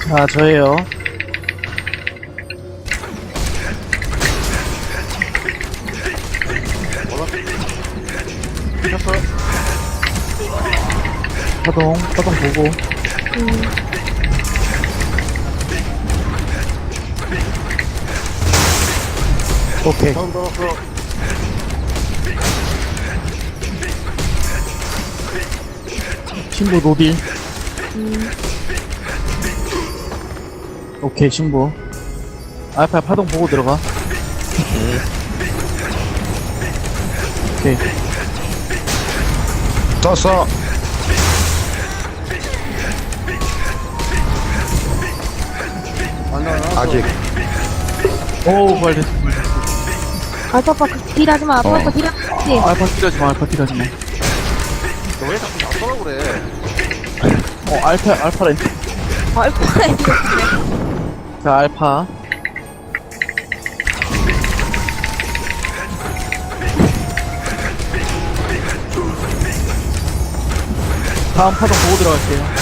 아, 저예요. 파동 보고. 오케이. 다음 들어갔어. 신부 노딜. 오케이, 신부. 알파 파동 보고 들어가. 오케이. 떴어. 안 나와. 아직. 오, 부활됐어, 부활됐어. 알파파 딜하지 마. 알파파 딜하지 마. 알파 딜하지 마, 알파 딜하지 마. 너왜 자꾸 나서라 그래? 알파렌. 알파에 자, 알파. 다음 파동 보고 들어갈게요.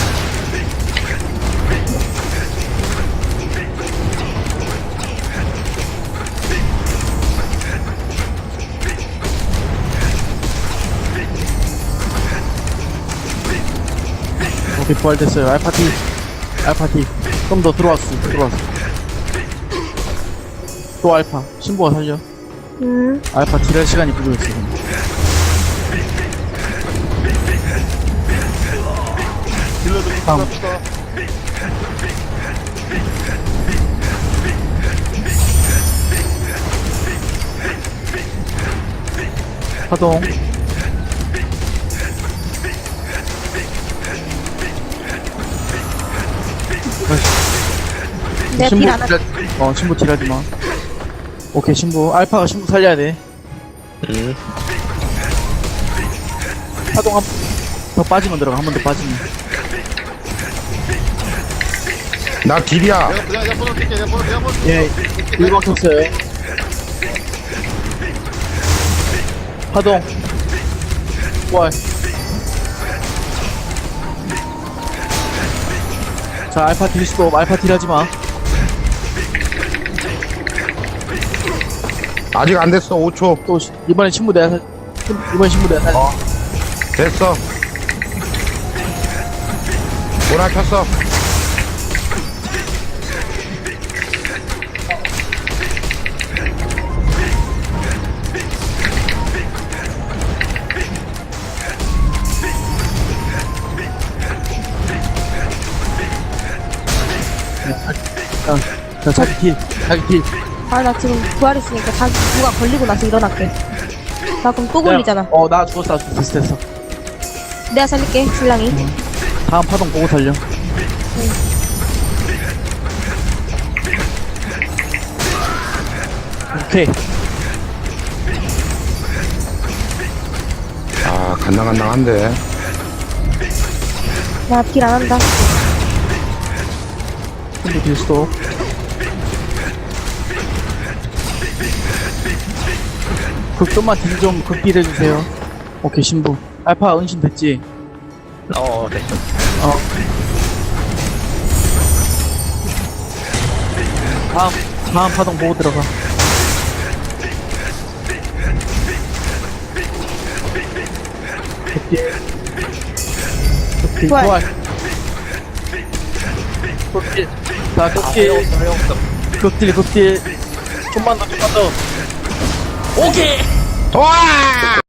오케이, 부활됐어요. 알파티. 좀 더 들어왔어. 또 알파. 신부가 살려. 알파 딜할 시간이 부족해, 지금. 딜러도 다음. 갑시다. 파동. 내가 딜 안 할게. 신부 딜하지 마. 오케이, 신부. 알파가 신부 살려야 돼. 파동 한 번 더 빠지면 들어가. 한 번 더 빠지면. 나 딜이야. 내가 번호 뛸게. 내가 번호 뛸게. 예, 1번 켰어요. 파동. 부활. 자, 알파 딜 스톱. 알파 딜하지 마. 아직 안 됐어. 5초. 또, 이번엔 신부 내가 이번 신부 내가 됐어. 모나 켰어. 자, 자기 딜. 아, 나 지금 부활했으니까 자기 누가 걸리고 나서 일어날게. 나 그럼 또 걸리잖아. 나 죽었어. 됐어. 내가 살릴게, 신랑이. 다음 파동 보고 살려. 오케이. 아, 간당간당한데. 나 딜 안 한다. 신부 딜 스톱. 좀만 딜 좀 극딜 해주세요. 오케이, 신부. 알파 은신 됐지? 됐어. 다음 파동 보고 들어가. 극딜, 부활. 극딜. 자, 극딜. 좀만 더. 오케이! 와!